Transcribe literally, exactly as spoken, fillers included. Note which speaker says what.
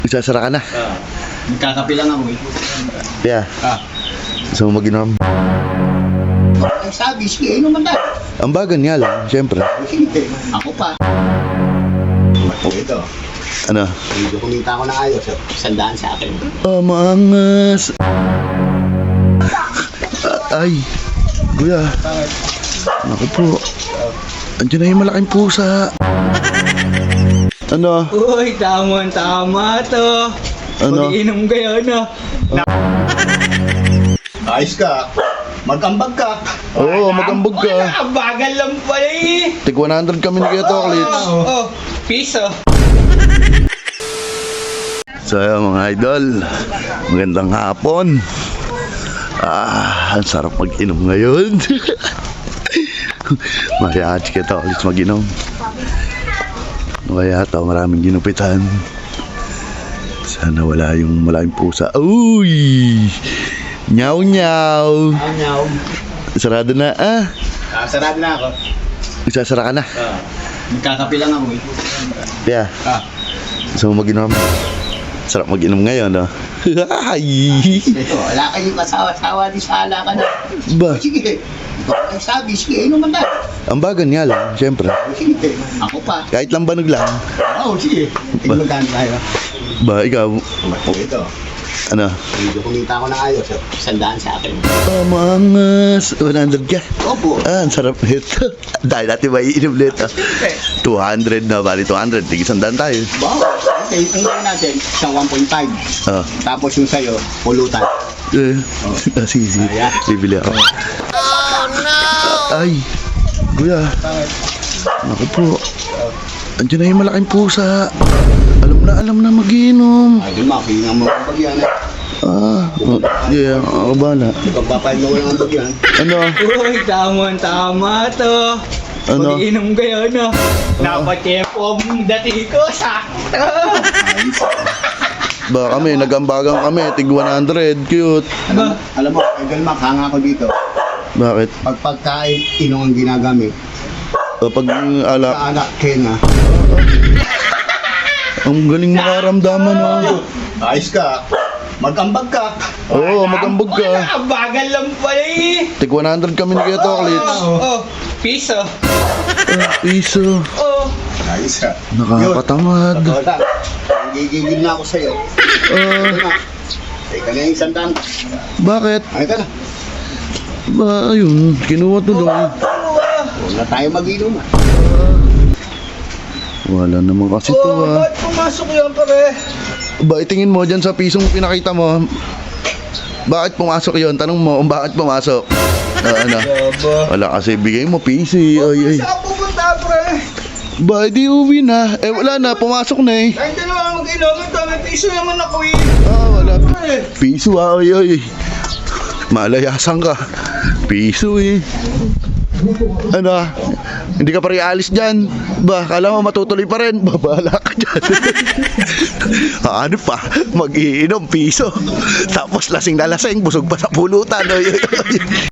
Speaker 1: Magsasara ka na.
Speaker 2: Ah, nagkakape lang ako eh.
Speaker 1: Yeah.
Speaker 2: Ah,
Speaker 1: Gusto mo mag-inom?
Speaker 2: ang sabi, sige, inom man tayo.
Speaker 1: Ang bagan nga lang, siyempre.
Speaker 2: Sige, ako pa. Ito,
Speaker 1: Ano?
Speaker 2: medyo kumita ako ng ayos. Sandaan sa akin.
Speaker 1: Oh, maangas. Ah, ay, kuya.
Speaker 2: Bakit?
Speaker 1: Naku po. Andiyan na yung malaking pusa. Ano?
Speaker 3: Uy, tama-tama to.
Speaker 1: Ano?
Speaker 3: Pag-inom kayo, no?
Speaker 2: Ayos ka. Magambag ka.
Speaker 1: Oo, magambog ka.
Speaker 3: Wala, bagal lang pala eh.
Speaker 1: Tig one hundred kami ni Kuya Toklits.
Speaker 3: Oh, oh, piso.
Speaker 1: So ayun, mga idol, magandang hapon. Ah, ang sarap mag-inom ngayon. Mariachi Kuya Toklits mag-inom. Kaya ito, maraming ginupitan. Sana wala yung malaking pusa. Uy! Nyaw nyaw!
Speaker 2: Anyaw.
Speaker 1: Sarado na ah.
Speaker 2: Ah, sarado na ako.
Speaker 1: Magsasara ka na.
Speaker 2: Ah, nagkakape lang ako eh.
Speaker 1: Yeah.
Speaker 2: Ah,
Speaker 1: Gusto mo mag-inom? Sarap mag-inom ngayon, no? Ay!
Speaker 2: ito, wala kayong kasawa-sawa di sala ka na.
Speaker 1: Ba?
Speaker 2: Sige, ito ang sabi, sige, inom man tayo.
Speaker 1: Ang bagan nga lang, siyempre.
Speaker 2: Sige, ako pa.
Speaker 1: Kahit lang banog lang.
Speaker 2: Oo, sige. Inom tayo tayo.
Speaker 1: Ba, ikaw,
Speaker 2: Ito,
Speaker 1: ano?
Speaker 2: medyo kumita ako ng ayos. Sandaan sa akin.
Speaker 1: Oh, maangas. one hundred ka.
Speaker 2: Opo.
Speaker 1: Ah, ang sarap nito. Dahil natin may inom nito. two hundred na, bali two hundred. Tigis-sandaan tayo.
Speaker 2: Wow. Okay, ang gawin natin, isang one point five.
Speaker 1: Oh.
Speaker 2: Tapos yung sa'yo, pulutan.
Speaker 1: Eh. Ah, sige, sige.
Speaker 2: Ayan.
Speaker 1: Bibili ako. Oh, no! Ay, kuya.
Speaker 2: Bakit?
Speaker 1: Naku po. Andiyan na yung malaking pusa. Alam na, alam na mag-inom.
Speaker 2: Ay, di makihinga mo ang bagyan.
Speaker 1: Ah, oh, yeah, ako bala.
Speaker 2: Pagpapahin mo lang ang bagyan.
Speaker 1: Ano?
Speaker 3: Uy, tama-tama to.
Speaker 1: Ano?
Speaker 3: Pag-inom kayo, no? Dapat yung pom dati ko, sakto.
Speaker 1: Ba kami, nagambagan kami, tig one hundred, cute.
Speaker 2: Alam, alam mo, Idol Mac, hanga ako dito.
Speaker 1: Bakit?
Speaker 2: Pag pagkain, inong ang ginagamit.
Speaker 1: O pag mm, alak,
Speaker 2: Kaanak, kenga.
Speaker 1: ang galing makaramdaman, oh.
Speaker 2: Ayos ka. Magambag ka.
Speaker 1: Oo, magambog ka.
Speaker 3: Wala, bagal lang pala eh.
Speaker 1: Tig one hundred kami ni Kuya Toklits.
Speaker 3: Oh, oh, piso.
Speaker 1: Ah, piso.
Speaker 3: Oh,
Speaker 2: Ayos ka.
Speaker 1: Nakakatamad.
Speaker 2: Totoo lang. Gigigil na ako sa'yo.
Speaker 1: Ah,
Speaker 2: Ito na. Teka na yung isang daan.
Speaker 1: bakit?
Speaker 2: Ay, ka na.
Speaker 1: Ba, ayun, kinuha tuloy.
Speaker 2: Huwag na tayo mag-inom ah.
Speaker 1: Wala naman kasi to,
Speaker 3: oh,
Speaker 1: ah.
Speaker 3: ba't pumasok yan, pare?
Speaker 1: Ba, itingin mo dyan sa pisong pinakita mo. Bakit pumasok yon? Tanong mo kung bakit pumasok. Ah, ano?
Speaker 3: Yaba.
Speaker 1: Wala kasi bigay mo, pisi. Ay, ay.
Speaker 3: Saan pupunta, pre?
Speaker 1: Ba, di uwi na. Eh, wala na, pumasok na eh.
Speaker 3: Kahit dalawa mag-inom, ito, may piso naman ako eh.
Speaker 1: Ah, wala.
Speaker 3: Eh,
Speaker 1: Piso ah, ay, ay. Malayasan ka. Piso eh. Ano? Hindi ka pa rin alis dyan. Ba, kala mo matutuloy pa rin. Babala ka dyan. Ano pa? Mag-iinom, piso. Tapos lasing na lasing, busog pa sa pulutan. Ay, ay, ay.